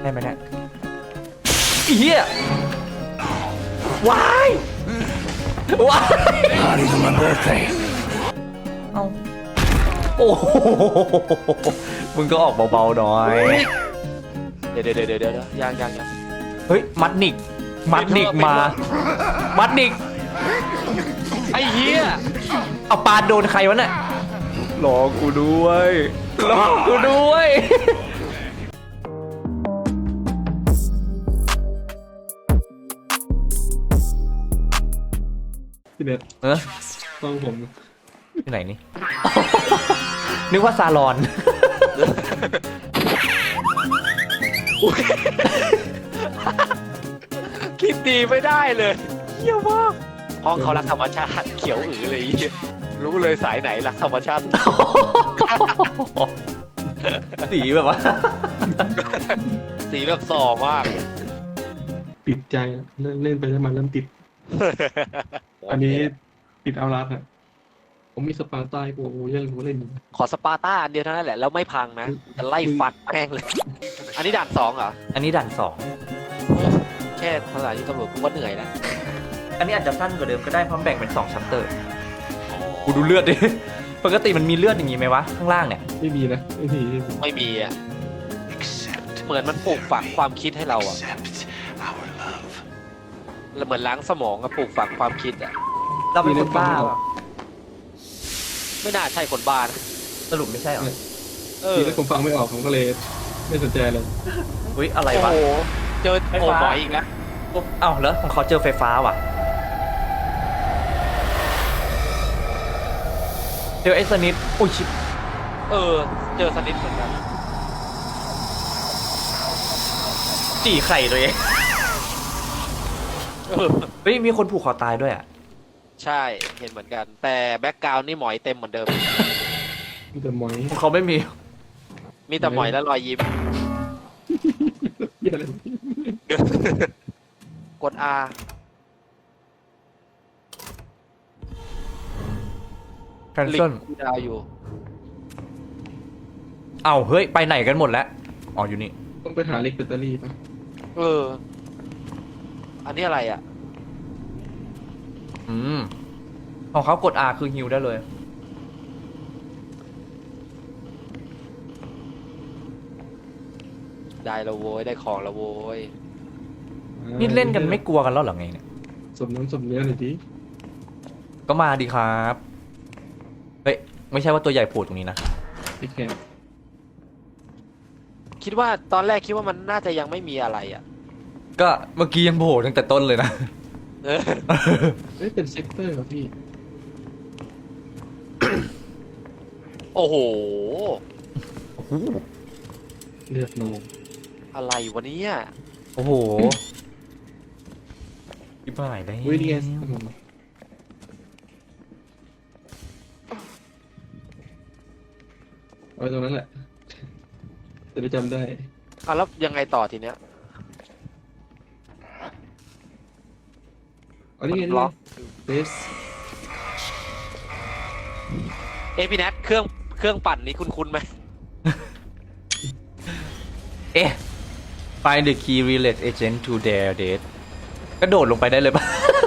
ได้ไหมเนี่ยเฮียว้ายว้าย Party for my birthday. เอาโอ้โหมึงก็ออกเบาๆหน่อยเดี๋ยวยังเฮ้ยมัดนิกมามัดนิกไอ้เหี้ยเอาปาโดนใครวะเนี่ยรอกูด้วยรอกูด้วยพี่เน็ตเออต้องผมที่ไหนนี่ นึกว่าซาลอนคิดดีไม่ได้เลยเหี้ยมากห้องเขารักธรรมชาติเขียวอือเลยไอ้เหี้ยรู้เลยสายไหนรักธรรมชาติสีแบบว่าสีแบบส่อมากติดใจเล่นไปแล้วมันเริ่มติด อันนี้ติดเอารัดอ่ะผมมีสปาร์ต้ากูยังกูเล่นอยู่ขอสปาร์ต้าอันเดียวเท่านั้นแหละแล้วไม่พังนะจะไล่ฟัดแม่งเลย อันนี้ด่าน2เหรออันนี้ด่าน2 แค่ภาษาที่ตำรวจกูว่าเหนื่อยแล้วอันนี้อาจจะสั้นกว่าเดิมก็ได้เพราะแบ่งเป็น2ชัปเตอร์กูดูเลือดดิ ปกติมันมีเลือดอย่างงี้ไหมวะข้างล่างเนี่ยไม่มีนะไม่มีไม่มีอ่ะ Accept. เหมือนมันปลูกฝังความคิดให้เราอ่ะ Accept our love. เหมือนล้างสมองอะปลูกฝังความคิดอ่ะเราเป็นคนบ้าไม่น่าใช่คนบ้านะสรุปไม่ใช่เหรอเออทีนี้ผมฟังไม่ออกผมก็เลยไม่สนใจเลยอุ้ยอะไรโอ้วะโหเจอไฟโอ้ฟ้าหมอยอีกแล้วเอ้าแล้วของเขาเจอไฟฟ้าว่ะเจอไอ้สนิทอุ้ยชิบเออเจอสนิทเหมือนกันจี่ไข่ตัวเองเออเฮ้ยมีคนผูกคอตายด้วยอ่ะใช่เห็นเหมือนกัน แต่แบ็กกราวน์นี่หมอยเต็มเหมือนเดิมมีแต่หมอยของเขาไม่มีมีแต่หมอยและรอยยิ้มเหี้ยอะไรกด R แคนลิเซิลงคูดาวอยู่เอ้าเฮ้ยไปไหนกันหมดแล้วอ๋ออยู่นี่ต้องไปหาเล็กแบตเตอรี่ป่ะเออ อันนี้อะไรอ่ะของเขากด R คือฮิวได้เลยได้และโว้ยได้ของและโว้ยนี่เล่นกันไม่กลัวกันแล้วเหรอไงเนี่ยสมน้ำสมเนื้อหน่อยดิก็มาดีครับ เฮ้ยไม่ใช่ว่าตัวใหญ่โผล่ตรงนี้นะพี่แคมคิดว่าตอนแรกคิดว่ามันน่าจะยังไม่มีอะไรอ่ะก็เมื่อกี้ยังโผล่ตั้งแต่ต้นเลยนะเออเฮ้ยเป็นเซกเตอร์ครับพี่โอ้โหเลือดโนอะไรวะเนี่ยโอ้โหยิบหายได้วินี่ไงเอาไว้ตรงนั้นแหละจะได้จำได้อ่ะแล้วยังไงต่อทีเนี้ยอันนี้ไงล็อกเบสพี่แนทเครื่องปั่นนี้คุ้นๆไหมเอ๊ะ find the key relate agent to their date กระโดดลงไปได้เลยปะ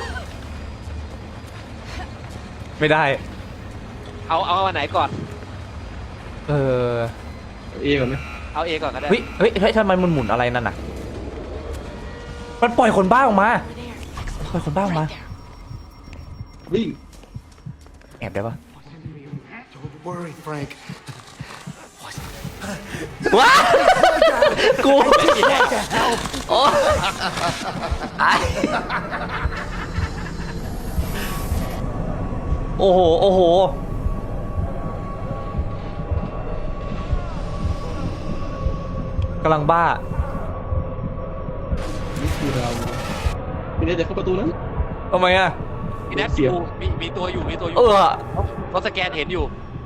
ไม่ได้เอาอันไหนก่อนเออเอาเอก่อนไหมเอาเอก่อนก็ได้เฮ้ยเฮ้ยเฮ้ยทำไมมันหมุนอะไรนั่นน่ะ มันปล่อยคนบ้าออกมา ปล่อยคนบ้าออกมาวิ่งแอบได้ปะ Don't worry, Frank. ว้ากูโอ้ไอโอ้โห โอ้โห กำลังบ้านี่คือเราพี่เนทจะเข้าประตูนั้นทำไมอ่ะพี่แนทเสียบดูมีตัวอยู่มีตัวอยู่เออเขาสแกนเห็นอยู่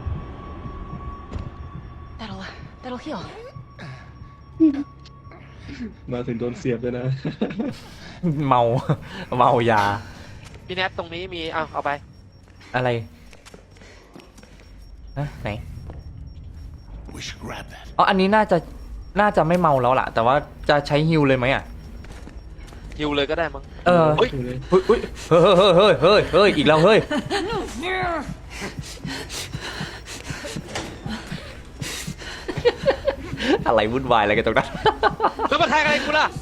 That'll heal. มาถึงโดนเสียบเลยนะเมา เมายาพี่แนทตรงนี้มีเอาไปอะไรฮะไหน We should grab that. อ๋อ อันนี้น่าจะน่าจะไม่เมาแล้วล่ะ แต่ว่าจะใช้ฮิลเลยไหมอ่ะฮิวเลยก็ได้มั้งเออเฮ้ยอยู่เลยเฮ้ยเฮ้ยเฮ้ยเฮ้ยเฮ้ยเฮ้ยอีกแล้วเฮ้ย อะไรวุ่นวายอะไรกันตรงนั้นแล้วมาแทงอะไรกูล่ะ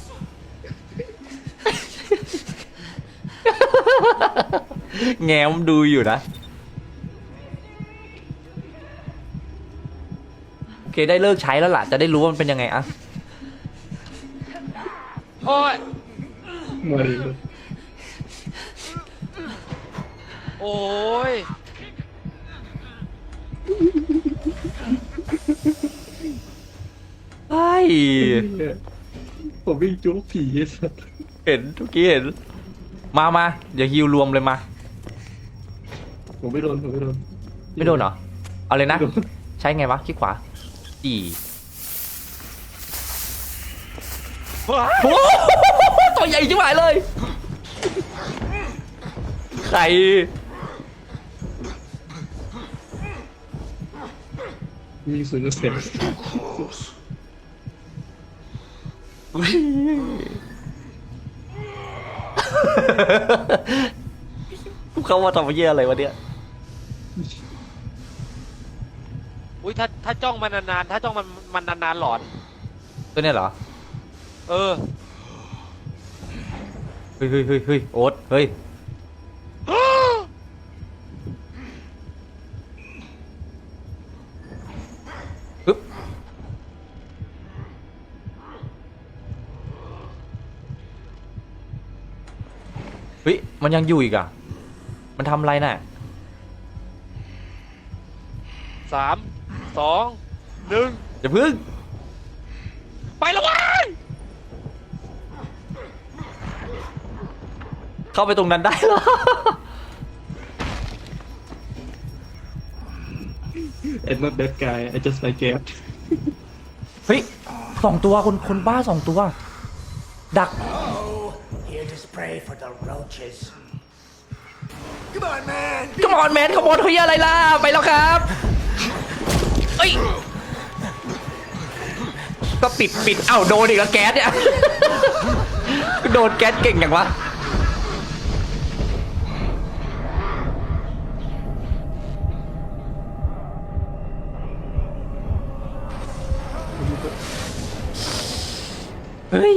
แง้มดูอยู่นะ โอเคได้เลิกใช้แล้วล่ะ จะได้รู้ว่ามันเป็นยังไงอะโอ้ยมาดิโอ้ยไอ้ผมวิ่งจุกผีไอ้สัสเห็นทุกกี้เห็น มาอย่าฮิวรวมเลยมาผมไม่โดนผมไม่โดนไม่โดนเหรอ เอาเลยนะไม่โดนใช้ไงวะคลิกขวาจีโอ้โหตัวใหญ่ชิบหายเลย ใครมีศูนย์เสียง Close. เขาว่าทำเยี่ยอะไรวะเนี่ยอุ้ยถ้าจ้องมันนานๆถ้าจ้องมันนานๆหลอนตัวเนี้ยเหรอเออเฮ้ยโอ๊ตเฮ้ย ปึ๊บ เฮ้ย มันยังอยู่อีกอ่ะ มันทำอะไรน่ะ 3 2 1 อย่าพึ่งไปแล้ววะเข้าไปตรงนั้นได้เหรอไอ้ not that guy I just like it เฮ้ย2 ตัวคนบ้า2 ตัว ดัก Here to spray for the roaches. Come on, man. ขมอนแมนขโมยเฮียอะไรล่ะ ไปแล้วครับเอ้ย ก็ปิดเอ้าโดนอีกแล้วแก๊สเนี่ย โดนแก๊สเก่งอย่างวะ เฮ้ย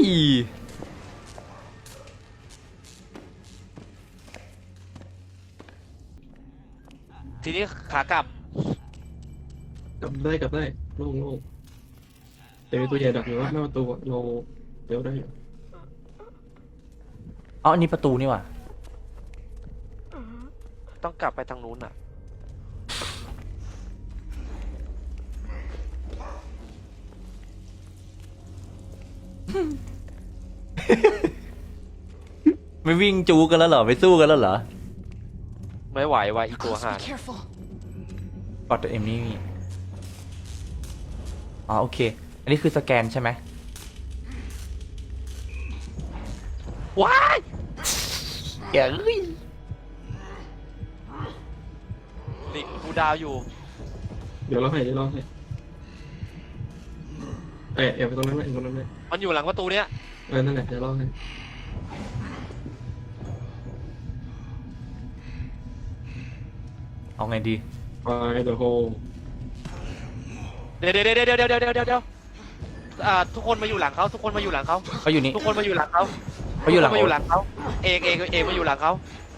ทีนี้ขากลับกลับได้โล่งแต่มีตัวใหญ่ดักอยู่ว่าหน้าประตูเราเดี๋ยวได้อยู่อ๋ออันนี้ประตูนี่ว่ะต้องกลับไปทางนู้นอ่ะไม่วิ่งจูกันแล้วเหรอ ไม่สู้กันแล้วเหรอไม่ไหวว่ะอีตัว Close, ห่า be careful. กดตัวเอ็มนี่มีอ๋อโอเค อันนี้คือสแกนใช่ไหมว้ายอย่าลิงกูดาวอยู่เดี๋ยวเราให้เอ็บไปตรงนั้นไหมตรงนั้นไหมมันอยู่หลังประตูเนี้ยนั่นแหละเดี๋ยวเราให้เอาไงดีไปเดี๋ยวโฮเดี๋ยวทุกคนมาอยู่หลังเขาทุกคนมาอยู่หลังเขาเขาอยู่นี่ทุกคนมาอยู่หลังเขาเขาอยู่หลังทุกคนมาอยู่หลังเขาเอกมาอยู่หลังเขา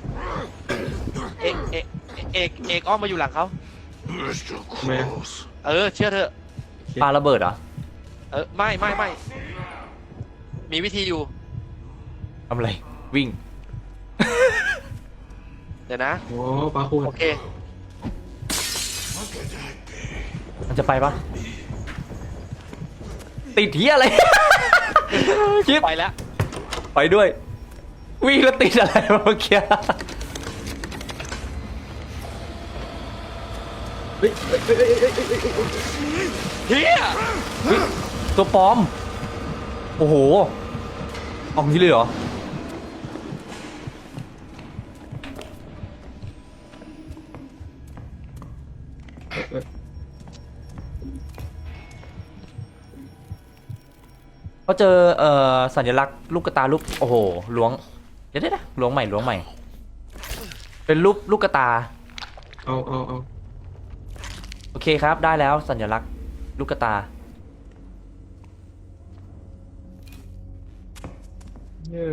เอกอ้อมมาอยู่หลังเขา Mr. Close. เชื่อเถอะปาระเบิดเหรอไม่มีวิธีอยู่ทำอะไร วิ่งเดี๋ยวนะโอ้ปลาขวดโอเคมันจะไปปะติดเฮียอะไร ชิปไปแล้วไปด้วย วิ่งแล้วติดอะไรวะเมื่อกี้เฮียเฮ้ยตัวปลอม โอ้โหออกนี้เลยเหรอเเจอสัญลักษณ์ลูกกระตารูปโอ้โหล้วงเดี๋ยวนะล้วงใหม่ เป็นรูปลูกกระตาเอาโอเคครับได้แล้วสัญลักษณ์ลูกกระตาเนี่ย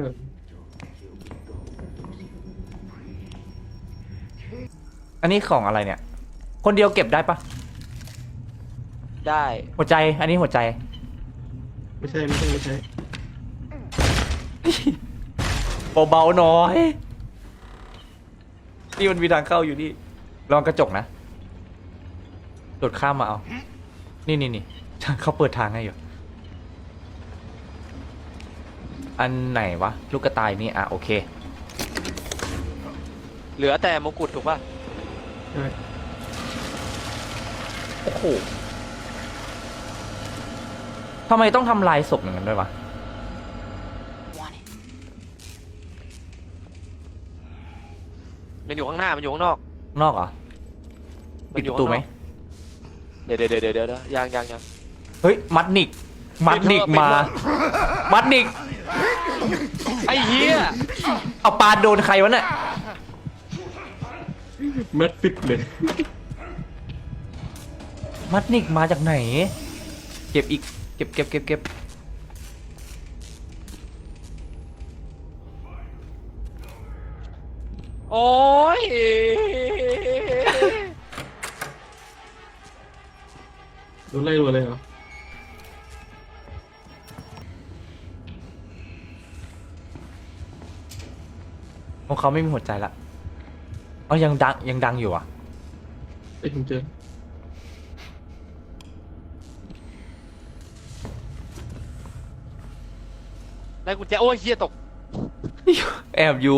อันนี้ของอะไรเนี่ย คนเดียวเก็บได้ปะได้หัวใจอันนี้หัวใจไม่ใช่เบาๆหน่อยนี่มันมีทางเข้าอยู่นี่ลองกระจกนะโดดข้ามมาเอานี่เขาเปิดทางให้อยู่อันไหนวะลูกกระต่ายนี่อ่ะโอเคเหลือแต่มงกุฎถูกป่ะใช่โอ้โหทำไมต้องทำลายศพอย่างนั้นด้วยวะ Want it. มันอยู่ข้างหน้ามันอยู่ข้างนอกนอกเหรอมัปิดนอปยู่ระตูไหมเดี๋ยวยังเฮ้ยมัดนิกมามัดนิกไอ้เหี้ยเอาปาโดนใครวะเนี่ยแมทฟิตเลยมัดนิกมาจากไหนเก็บอีกเก็บโอ้ยโดนไล่รัวเลยเหรอของเขาไม่มีหัวใจละอ๋อยังดังอยู่อ่ะไอ้ยผมเจอได้กุญแจโอ้ยเหี้ยตกแอบอยู่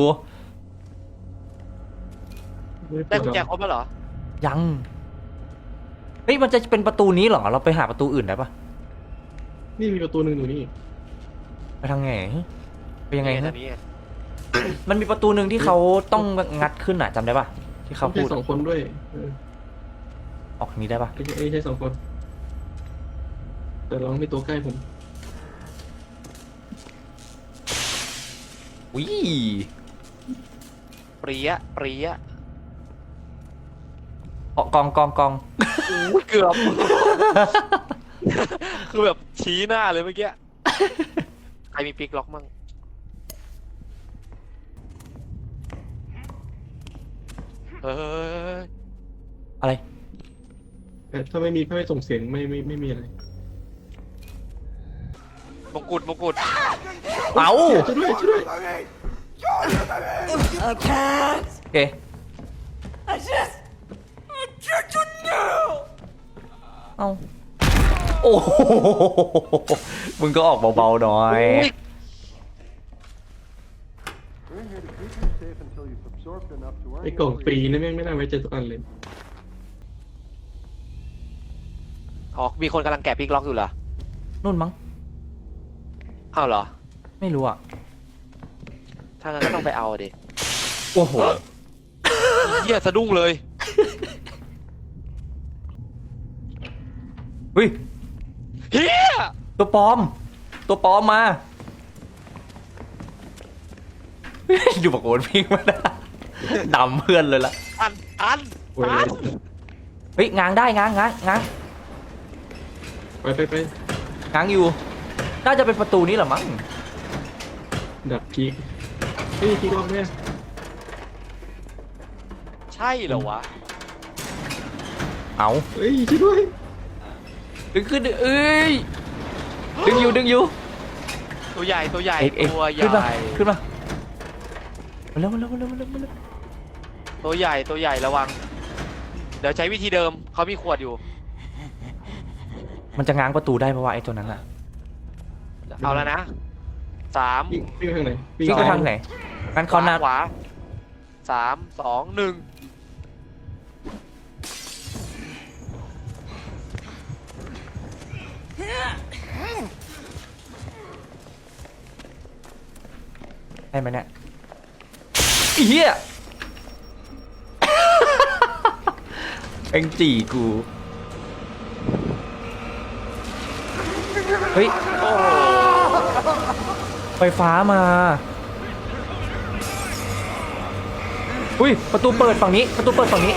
ได้กุญแจครบแล้วเหรอยังเฮ้ยมันจะเป็นประตูนี้เหรอเราไปหาประตูอื่นได้ปะนี่มีประตูหนึ่งอยู่นี่ไปทางไหนไปยังไงนี่ฮะนี่มันมีประตูหนึ่งที่เขาต้องงัดขึ้นอ่ะจำได้ปะที่เขาไม่พูใช่ด 2 คนด้วยออกทางนี้ได้ปะไม่ใช่2 คน แต่เราไม่ตัวใกล้ผมอุ้ยเปรี้ยออกกองอุ้ยเกือบ คือแบบชี้หน้าเลยเมื่อกี้ ใครมีปิกล็อกมั่งเฮ้ยอะไรแต่ถ้าไม่ส่งเสียงไม่มีอะไรมงกุฎเอ้าช่วยด้วยโอเค เอ้าโอ้โหมึงก็ออกเบาๆหน่อยไอ้กล่องฟรีนี่แม่งไม่น่าไว้ใจสักอันเลยอ๋อมีคนกำลังแกะปิกล็อกอยู่เหรอนู่นมั้งอ้าวเหรอไม่รู้อ่ะถ้างั้นก็ต้องไปเอาดิโอ้โหเหี้ยสะดุ้งเลยเฮ้ยเฮียตัวปลอมมา อยู่ปากโอนพิงมานะดำเพื่อนเลยละอันโอ้ยเฮ้ยง้างได้ง้างไปง้างอยู่ น่าจะเป็นประตูนี้แหละมั้งดับพีกเฮ้ยพีกล็อกเนี่ยใช่เหรอวะเอาเฮ้ยช่วยด้วยดึงขึ้นดิเอ้ยดึงอยู่ตัวใหญ่เอกตัวใหขึ้นมาญ่มาเร็วตัวใหญ่ระวัง เดี๋ยวใช้วิธีเดิมเขามีขวดอยู่มันจะง้างประตูได้เพราะว่าไอ้ตัวนั้นอะเอาแล้วนะ 3 วิ่งไปทางไหนวิ่งไปทางไหนงั้นเขาหน้าขวา 3 2 1 ได้ไหมเนี่ยเฮียเอ็งจีกู เฮ้ยโอ้โหไฟฟ้ามา อุ้ยประตูเปิดฝั่งนี้ประตูเปิดฝั่งนี้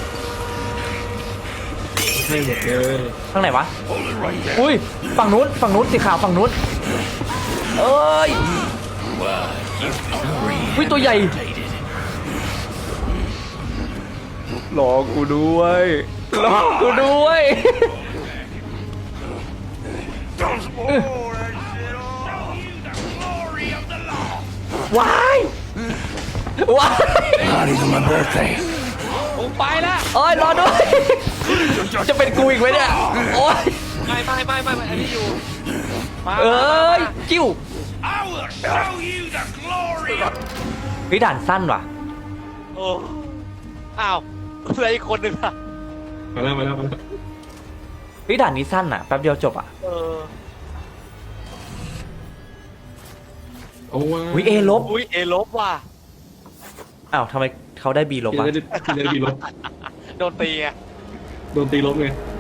ให้หมดเลยข้างไหนวะ อุ้ยฝั่งนู้นสีขาวฝั่งนู้นเอ้ยอุ้ยตัวใหญ่รอกูด้วยรอกูด้วย ว้ายว้าย Party's on my birthday. ผมไปละโอ้ยรอด้วย จะเป็นกูอีกไหมเนี่ย โอ้ยไม่อันนี้อยู่มาเอ้ย จิ้ว I will show you the glory of เฮ้ยด่านสั้นว่ะโอ้อ้าวเหลืออีกคนหนึ่งอะมาแล้วเฮ้ยด่านนี้สั้นอ่ะแป๊บเดียวจบอ่ะเออโอ้ว้าอุ้ยเอลบอุ้ยเอลบว่ะอ้าวทำไมเขาได้บีลบเดี๋ยวอ่ะจะบีลบโดนตีไงโดนตีลบไงเ